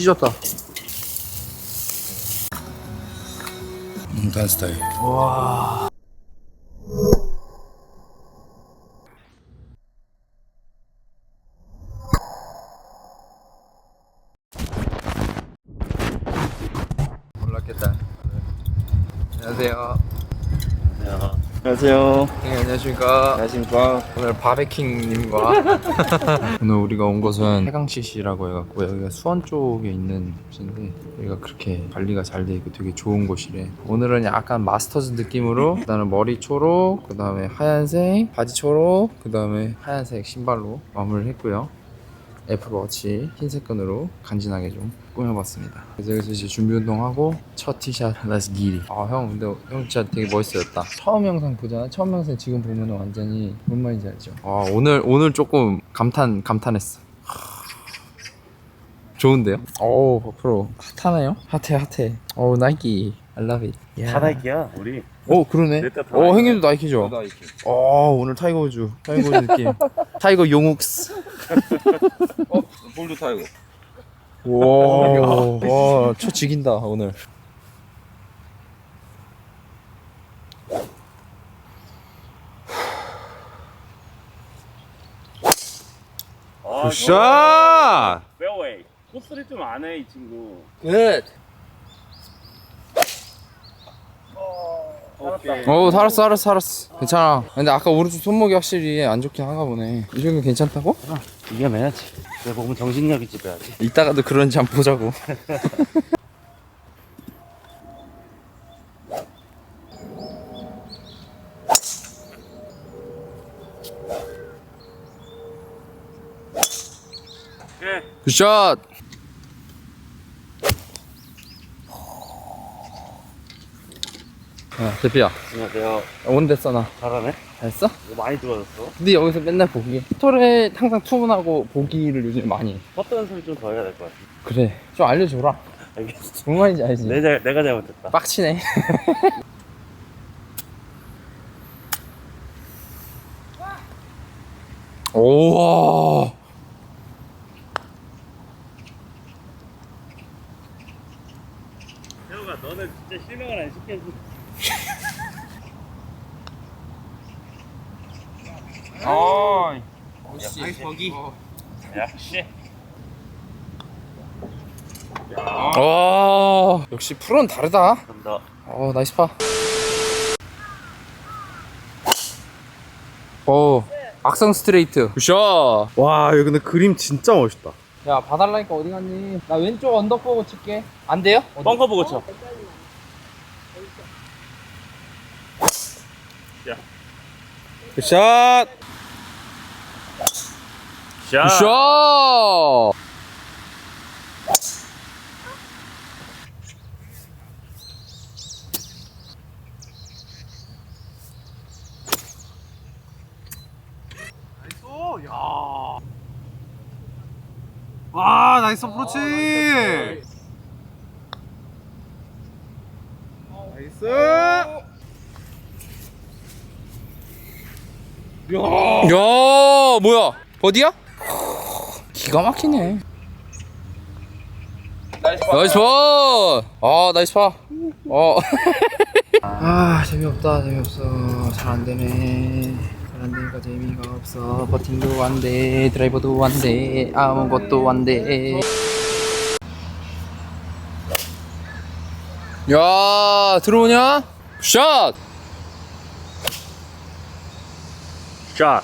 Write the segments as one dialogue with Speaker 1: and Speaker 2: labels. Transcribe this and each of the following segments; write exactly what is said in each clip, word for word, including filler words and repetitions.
Speaker 1: 찢었다.
Speaker 2: 음, 단 스타일.
Speaker 1: 와. 몰랐겠다. 안녕하세요.
Speaker 2: 안녕하세요. 안녕하세요.
Speaker 1: 네, 안녕하십니까.
Speaker 2: 안녕하십니까.
Speaker 1: 오늘 바베킹님과 오늘 우리가 온 곳은 해강시시라고 해갖고 여기가 수원 쪽에 있는 곳인데 여기가 그렇게 관리가 잘 돼 있고 되게 좋은 곳이래. 오늘은 약간 마스터즈 느낌으로 그 다음에 머리 초록, 그 다음에 하얀색 바지 초록, 그 다음에 하얀색 신발로 마무리를 했고요. 애플워치 흰색 끈으로 간지나게 좀 꾸며봤습니다. 그래서 여기서 이제 준비 운동하고 첫 티샷 Let's get it. 아 형 근데 형 진짜 되게 멋있어졌다. 처음 영상 보잖아. 처음 영상 지금 보면 완전히 뭔 말인지 알죠? 아 오늘 오늘 조금 감탄 감탄했어. 좋은데요? 오 버프로 핫하네요? 핫해 핫해. 오 나이키 I love it.
Speaker 2: 다 나이키야 우리.
Speaker 1: 오 그러네.
Speaker 2: 넷다 다
Speaker 1: 오
Speaker 2: 나이키야.
Speaker 1: 형님도 나이키죠?
Speaker 2: 나이키.
Speaker 1: 오 오늘 타이거 우즈 타이거 우즈 느낌. 타이거 용욱스.
Speaker 2: 어? 볼드 타이거.
Speaker 1: 와, 와, 초 죽인다 오늘.
Speaker 2: 아,
Speaker 1: 굿샷!
Speaker 2: 페어웨이. 코스를 좀 안 해 이 친구.
Speaker 1: 굿.
Speaker 2: 오케이.
Speaker 1: 어, 살았어, 살았어, 살았어. 괜찮아. 근데 아까 오른쪽 손목이 확실히 안 좋긴 한가 보네. 이 정도 괜찮다고?
Speaker 2: 이겨내야지. 내 몸은 정신력이 지배하지.
Speaker 1: 이따가도 그런지 한번 보자고.
Speaker 2: 예.
Speaker 1: 굿샷! 야, 대피야.
Speaker 2: 안녕하세요.
Speaker 1: 온데 써나.
Speaker 2: 잘하네.
Speaker 1: 잘했어?
Speaker 2: 이거 많이 들어졌어.
Speaker 1: 근데 여기서 맨날 보기. 토토에 항상 투문하고 보기를 요즘 많이 해.
Speaker 2: 퍼트 연습을 좀 더 해야 될 것 같아.
Speaker 1: 그래. 좀 알려줘라.
Speaker 2: 알겠어.
Speaker 1: 뭔 말인지 알지?
Speaker 2: 내, 잘- 내가 잘못했다.
Speaker 1: 빡치네. 오와.
Speaker 2: 태호가 너는 진짜 실망을 안 시켜줘.
Speaker 1: 아.
Speaker 2: 나이스 버기. 역시.
Speaker 1: 와. 역시 프로는 다르다.
Speaker 2: 간다.
Speaker 1: 어 나이스 파. 오. 악성 스트레이트. 굿샷.
Speaker 3: 와 여기 근데 그림 진짜 멋있다.
Speaker 1: 야 봐달라니까 어디 갔니? 나 왼쪽 언덕 보고 칠게. 안 돼요?
Speaker 2: 벙커 보고 쳐.
Speaker 1: 굿샷.
Speaker 2: 자.
Speaker 1: 굿샷.
Speaker 3: 와 나이스 어프로치. 나이스.
Speaker 1: 야 뭐야 버디야? 기가 막히네. 나이스 파. 아 나이스 파. 어. 아 재미없다 재미없어. 잘 안되네. 잘 안되니까 재미가 없어. 버팅도 안돼 드라이버도 안돼 아무것도 안돼. 야 들어오냐? 샷.
Speaker 2: 자.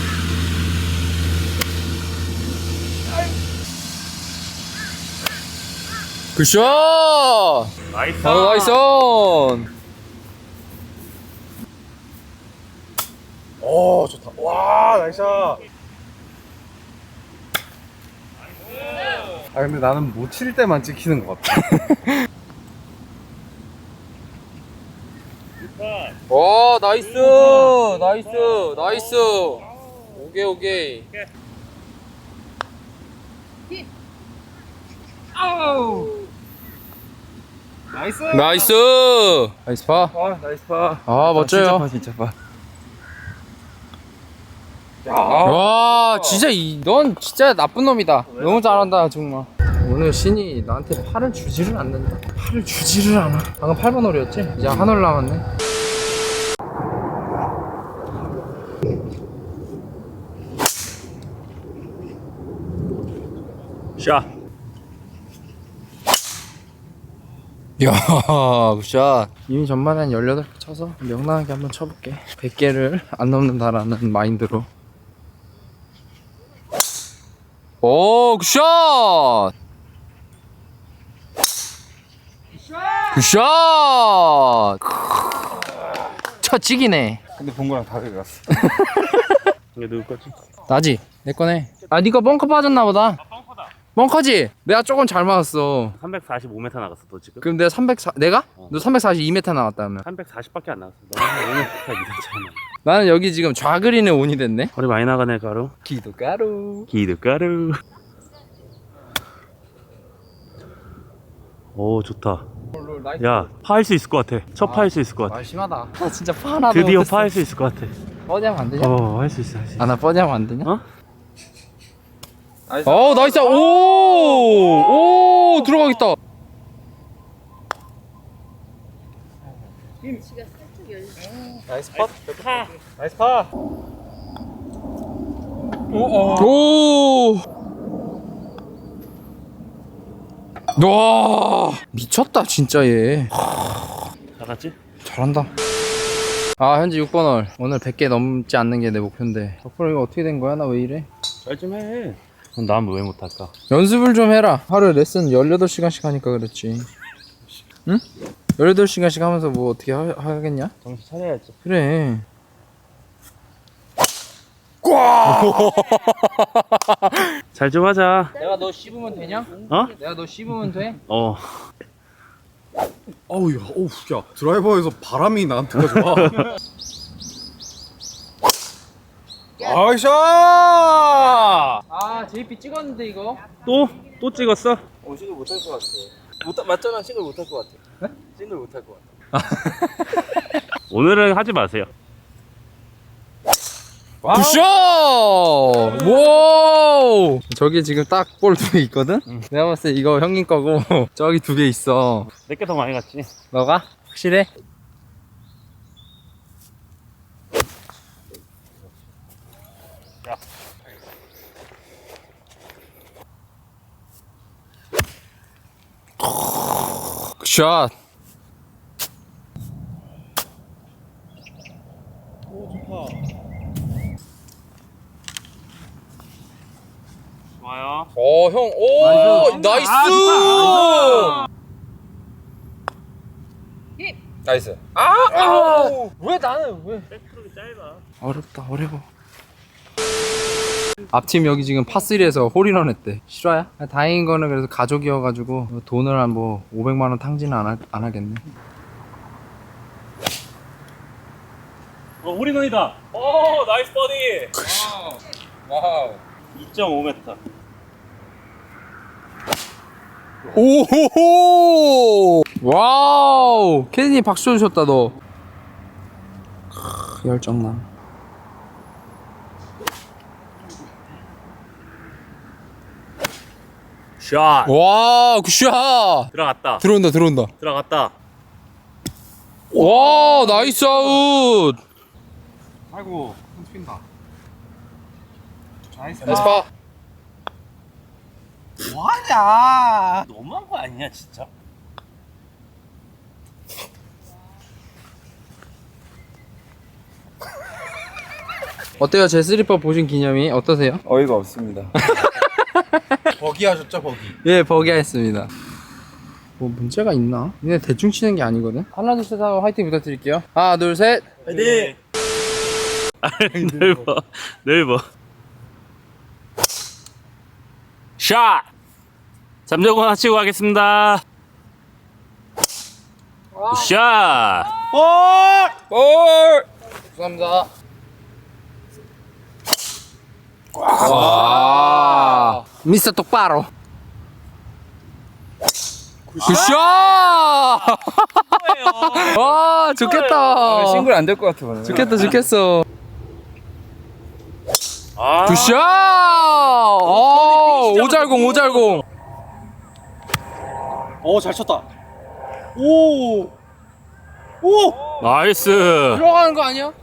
Speaker 1: 굿샷.
Speaker 2: 나이스.
Speaker 1: 어, 나이스.
Speaker 3: 오 좋다. 와 나이스. 아 근데 나는 못 칠 때만 찍히는 것 같아.
Speaker 1: 오 나이스 나이스 나이스. 오케이 오케이.
Speaker 3: 나이스.
Speaker 1: 나이스 나이스 파.
Speaker 3: 아 나이스 파.
Speaker 1: 아 멋져요.
Speaker 3: 진짜 파.
Speaker 1: 와 진짜 이, 넌 진짜 나쁜 놈이다. 너무 잘한다 정말. 오늘 신이 나한테 팔을 주지를 않는다. 팔을 주지를 않아. 방금 팔 번 홀이었지? 이제 한 홀 남았네.
Speaker 2: 샷.
Speaker 1: 이야, 굿샷. 이미 전반에 한 열여덟 개 쳐서 명랑하게 한번 쳐볼게. 백 개를 안 넘는다라는 마인드로. 오, 굿샷! 굿샷! 첫 찍이네.
Speaker 3: 근데 본 거랑 다르게 갔어.
Speaker 2: 이게 누구 거지?
Speaker 1: 나지? 내 거네. 아, 니가 벙커 빠졌나 보다.
Speaker 2: 아, 펑커다.
Speaker 1: 벙커지? 내가 조금 잘 맞았어.
Speaker 2: 삼백사십오 미터 나갔어, 너 지금?
Speaker 1: 그럼 내가 삼백사, 내가?
Speaker 2: 어.
Speaker 1: 너 삼백사십이 미터 나왔다면.
Speaker 2: 삼백사십밖에 안 나갔어. 너는 오늘 미터잖아.
Speaker 1: 나는 여기 지금 좌그린에 온이 됐네.
Speaker 2: 허리 많이 나가네, 가루.
Speaker 1: 기도가루.
Speaker 2: 기드가루. 오, 좋다. 야, 파할 수 있을 것 같아. 첫 파할 수 있을 것 같아.
Speaker 1: 아, 심하다. 아, 진짜 파 하나
Speaker 2: 드디어 파할 수 있을 것 같아.
Speaker 1: 뻗이하면 안 되냐?
Speaker 2: 어, 할 수 있어, 할 수 있어.
Speaker 1: 아, 나 뻗이하면 안 되냐?
Speaker 2: 어?
Speaker 3: 나이스.
Speaker 1: 어, 나이스. 오! 오, 들어가겠다.
Speaker 4: 지가 살짝 열려.
Speaker 3: 나이스 팟.
Speaker 2: 파.
Speaker 3: 나이스 팟.
Speaker 1: 오! 와! 미쳤다, 진짜 얘.
Speaker 2: 나갔지?
Speaker 1: 잘한다. 아, 현재 육 번 홀. 오늘 백 개 넘지 않는 게 내 목표인데. 덕분에 이거 어떻게 된 거야? 나 왜 이래?
Speaker 2: 잘 좀 해. 그럼 난 왜 못할까?
Speaker 1: 연습을 좀 해라. 하루에 레슨 열여덟 시간씩 하니까 그렇지. 응? 열여덟 시간씩 하면서 뭐 어떻게 하, 하겠냐?
Speaker 2: 정신 차려야지.
Speaker 1: 그래.
Speaker 2: 잘 좀 하자.
Speaker 1: 내가 너 씹으면 되냐?
Speaker 2: 어?
Speaker 1: 내가 너 씹으면 돼?
Speaker 2: 어.
Speaker 3: 어우 야, 어우 야, 드라이버에서 바람이 나한테 가져와. 아이샤!
Speaker 1: 아, 제이피 찍었는데 이거?
Speaker 2: 또? 또 찍었어?
Speaker 1: 어, 싱글 못할 것 같아. 못, 맞잖아, 싱글 못할 것 같아. 네? 싱글 못할 것 같아.
Speaker 2: 오늘은 하지 마세요.
Speaker 1: 굿샷! 와! 저기 지금 딱 볼 두 개 있거든? 내가 봤을 때 이거 형님 거고 저기 두 개 있어.
Speaker 2: 내게 더 많이 갔지.
Speaker 1: 너가? 확실해?
Speaker 2: 야.
Speaker 1: 굿샷!
Speaker 2: 좋아요.
Speaker 1: 어, 형, 오! 나이스!
Speaker 2: 아,
Speaker 4: 힙!
Speaker 1: 나이스. 아! 아! 왜 나는 왜?
Speaker 2: 백프로이 짧아.
Speaker 1: 어렵다, 어려워. 앞팀 여기 지금 파쓰리에서 홀인원 했대. 실화야? 다행인 거는 그래서 가족이어가지고 돈을 한 뭐 오백만 원 탕진은 안, 하, 안 하겠네.
Speaker 2: 어, 홀인원이다. 오, 나이스 버디.
Speaker 1: 와우.
Speaker 2: 이 점 오 미터.
Speaker 1: 오호호! 와우! 캐디님 박수 주셨다, 너. 크, 열정나.
Speaker 2: 샷.
Speaker 1: 와, 굿샷!
Speaker 2: 들어갔다.
Speaker 1: 들어온다, 들어온다.
Speaker 2: 들어갔다.
Speaker 1: 와, 나이스 아웃!
Speaker 3: 아이고, 손 튄다. 나이스
Speaker 1: 나이스 파.
Speaker 3: 뭐하냐?
Speaker 2: 너무한 거 아니냐, 진짜?
Speaker 1: 어때요? 제 쓰리퍼 보신 기념이 어떠세요?
Speaker 3: 어이가 없습니다. 버기 하셨죠, 버기?
Speaker 1: 예, 버기했습니다. 뭐 문제가 있나? 근데 대충 치는 게 아니거든. 하나 둘 셋 하고 화이팅 부탁드릴게요. 하나 둘 셋.
Speaker 2: 네. 넓어. 넓어. 샷! 삼 점 하나 치고 가겠습니다. 샷!
Speaker 1: 볼! 볼! 감사합니다. 와, 미스터 똑바로. 굿샷! 와, 좋겠다.
Speaker 3: 싱글 안 될 것 같아, 오늘.
Speaker 1: 좋겠다, 좋겠어.
Speaker 2: 아,
Speaker 1: 굿샷! 어, 오잘공, 오잘공.
Speaker 3: 오, 잘 쳤다. 오! 오!
Speaker 2: 나이스.
Speaker 1: 들어가는 거 아니야?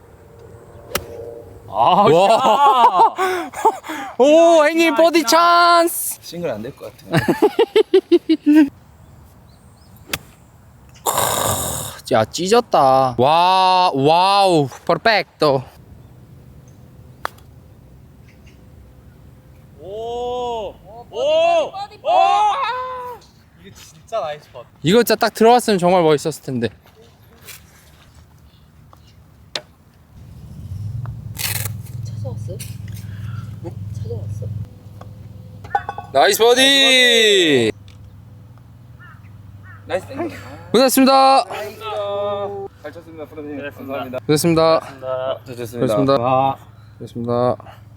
Speaker 2: 아,
Speaker 1: 와. 오, 행님 버디 찬스.
Speaker 3: 싱글 안 될 것 같아.
Speaker 1: 야, 찢었다. 와, 와우, 퍼펙토.
Speaker 2: 오, 오, 오.
Speaker 3: 이게 진짜 나이스 팟.
Speaker 1: 이거 진짜 딱 들어갔으면 정말 멋있었을 텐데.
Speaker 4: 찾아왔어요? 네? 찾아왔어?
Speaker 1: 나이스 버디.
Speaker 3: 나이스 땡.
Speaker 1: 고생했습니다.
Speaker 3: 잘 쳤습니다, 프로님. 감사합니다.
Speaker 1: 고생했습니다.
Speaker 3: 잘 쳤습니다.
Speaker 1: 고생했습니다.
Speaker 3: 아.
Speaker 1: 고생했습니다.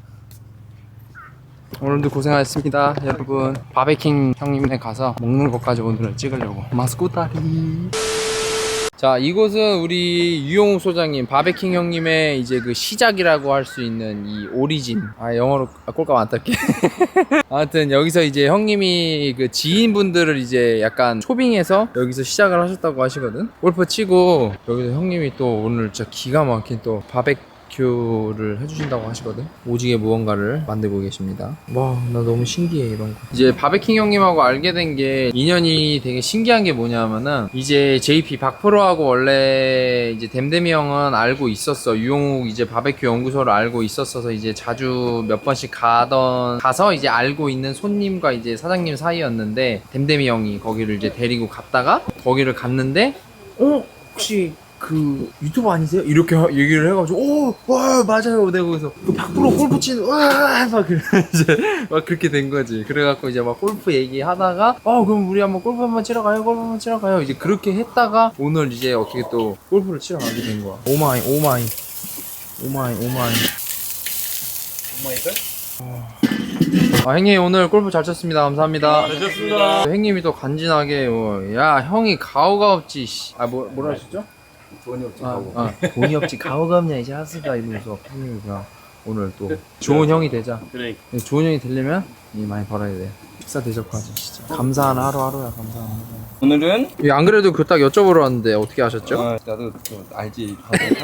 Speaker 1: 오늘도 고생하셨습니다, 여러분. 바베킹 형님네 가서 먹는 것까지 오늘은 찍으려고. 마스코타리. 자, 이곳은 우리 유용욱 소장님, 바베킹 형님의 이제 그 시작이라고 할 수 있는 이 오리진. 아, 영어로 아, 꼴값 안 딸게. 아무튼 여기서 이제 형님이 그 지인분들을 이제 약간 초빙해서 여기서 시작을 하셨다고 하시거든. 골프 치고 여기서 형님이 또 오늘 진짜 기가 막힌 또 바베큐를 해주신다고 하시거든. 오지게 무언가를 만들고 계십니다. 와, 나 너무 신기해 이런 거. 이제 바베킹 형님하고 알게 된 게 인연이 되게 신기한 게 뭐냐면은 이제 제이피 박프로하고 원래 이제 댐댐이 형은 알고 있었어. 유용욱 이제 바베큐 연구소를 알고 있었어서 이제 자주 몇 번씩 가던 가서 이제 알고 있는 손님과 이제 사장님 사이였는데 댐댐이 형이 거기를 이제 데리고 갔다가 거기를 갔는데 어 혹시 그 유튜버 아니세요? 이렇게 하- 얘기를 해가지고 오, 와 맞아요. 내가 거기서 그 박프로 골프 치는 와막 이제 막 그렇게 된 거지. 그래갖고 이제 막 골프 얘기하다가 어 그럼 우리 한번 골프 한번 치러 가요. 골프 한번 치러 가요. 이제 그렇게 했다가 오늘 이제 어떻게 또 골프를 치러 가게 된 거야. 오마이 오마이 오마이 오마이.
Speaker 3: 오마이걸?
Speaker 1: 아, 형님 오늘 골프 잘 쳤습니다. 감사합니다.
Speaker 2: 잘 쳤습니다.
Speaker 1: 형님이 또 간지나게 어, 야 형이 가오가 없지. 씨. 아 뭐, 뭐라 하셨죠?
Speaker 3: 돈이 없지.
Speaker 1: 아,
Speaker 3: 하고.
Speaker 1: 아, 돈이 없지 가오가 없냐 이제 하스가 이러면서 형님이 그냥 오늘 또 좋은 형이 되자.
Speaker 2: 그래.
Speaker 1: 좋은 형이 되려면 이 많이 벌어야 돼. 식사 대접하지 진짜. 감사한 하루하루야. 감사한 하루.
Speaker 3: 오늘은
Speaker 1: 예, 안 그래도 그 딱 여쭤보러 왔는데 어떻게 하셨죠?
Speaker 3: 아, 나도 또 알지.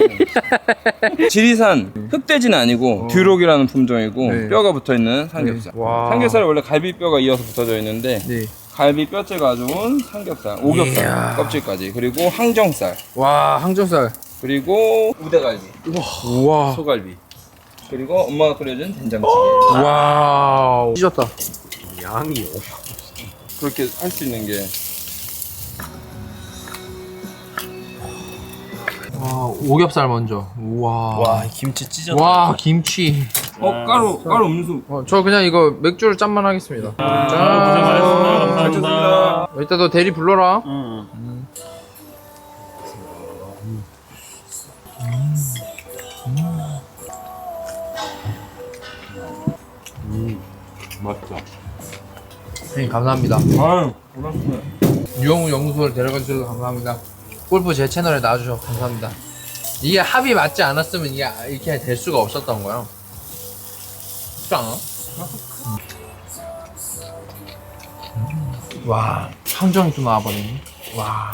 Speaker 3: 지리산 흑돼지는 아니고
Speaker 1: 어.
Speaker 3: 듀록이라는 품종이고
Speaker 1: 네.
Speaker 3: 뼈가 붙어 있는 삼겹살.
Speaker 1: 네. 와.
Speaker 3: 삼겹살은 원래 갈비뼈가 이어서 붙어져 있는데
Speaker 1: 네.
Speaker 3: 갈비 뼈째 가져온 삼겹살, 오겹살,
Speaker 1: 이야.
Speaker 3: 껍질까지, 그리고 항정살,
Speaker 1: 와 항정살.
Speaker 3: 그리고 우대갈비,
Speaker 1: 우와.
Speaker 3: 소갈비, 그리고 엄마가 끓여준 된장찌개.
Speaker 1: 와우. 찢었다.
Speaker 3: 양이요. 그렇게 할 수 있는 게
Speaker 1: 와 오겹살 먼저. 우와.
Speaker 2: 김치 찢었다.
Speaker 1: 와 김치.
Speaker 3: 어 까루 까루 음수.
Speaker 1: 어, 저 그냥 이거 맥주를 짠만 하겠습니다.
Speaker 2: 아,
Speaker 1: 짠.
Speaker 2: 고생 많으셨습니다.
Speaker 3: 잘 쳤습니다.
Speaker 2: 감사합니다.
Speaker 1: 이따 너 대리 불러라.
Speaker 2: 응. 맛있다.
Speaker 1: 형님 감사합니다.
Speaker 3: 아유 고맙습니다.
Speaker 1: 유영우 연구소를 데려가 주셔서 감사합니다. 골프 제 채널에 나와주셔서 감사합니다. 이게 합이 맞지 않았으면 이게 이렇게 될 수가 없었던 거야. 그렇지 않아? 음. 와, 함정이 또 나와버리네. 와.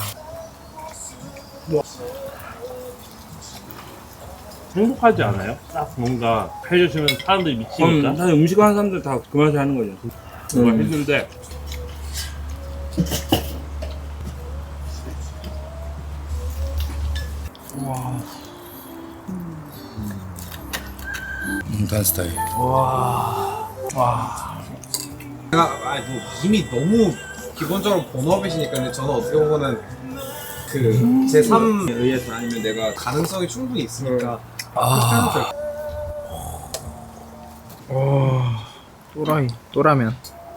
Speaker 2: 행복하지 않아요? 딱 뭔가 해주시면 사람들이 미치니까.
Speaker 3: 음, 사실 음식 하는 사람들 다 그 맛에 하는 거죠.
Speaker 2: 뭔가
Speaker 3: 음.
Speaker 2: 했는데
Speaker 3: 단 스타일.
Speaker 1: 와. 와.
Speaker 5: 제가 아, 뭐 이미 너무 기본적으로 본업이시니까 근데 저는 어떻게 보면은 그 제삼
Speaker 3: 의해서 아니면 내가
Speaker 5: 가능성이 충분히 있으니까
Speaker 1: 아. 와. 또라이. 또라면.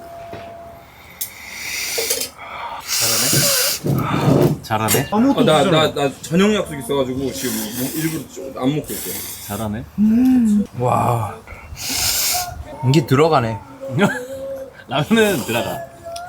Speaker 2: 잘하네.
Speaker 5: 아무것도
Speaker 3: 나
Speaker 5: 없잖아.
Speaker 3: 나 나 저녁 약속 있어가지고 지금 뭐 일부러 좀 안 먹고 있어.
Speaker 2: 잘하네.
Speaker 1: 와. 이게 들어가네.
Speaker 2: 라면은 들어가.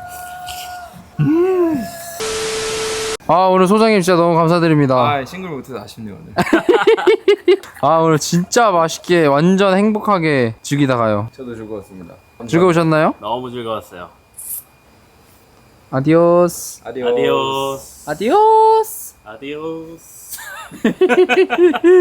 Speaker 1: 아, 오늘 소장님 진짜 너무 감사드립니다.
Speaker 3: 아 싱글 못해서 아쉽네요 오늘.
Speaker 1: 아, 오늘 진짜 맛있게 완전 행복하게 즐기다 가요.
Speaker 3: 저도 즐거웠습니다. 감사합니다.
Speaker 1: 즐거우셨나요?
Speaker 2: 너무 즐거웠어요.
Speaker 1: 아디오스.
Speaker 5: 아디오스.
Speaker 2: 아디오스.
Speaker 1: 아디오스.
Speaker 2: 아디오스.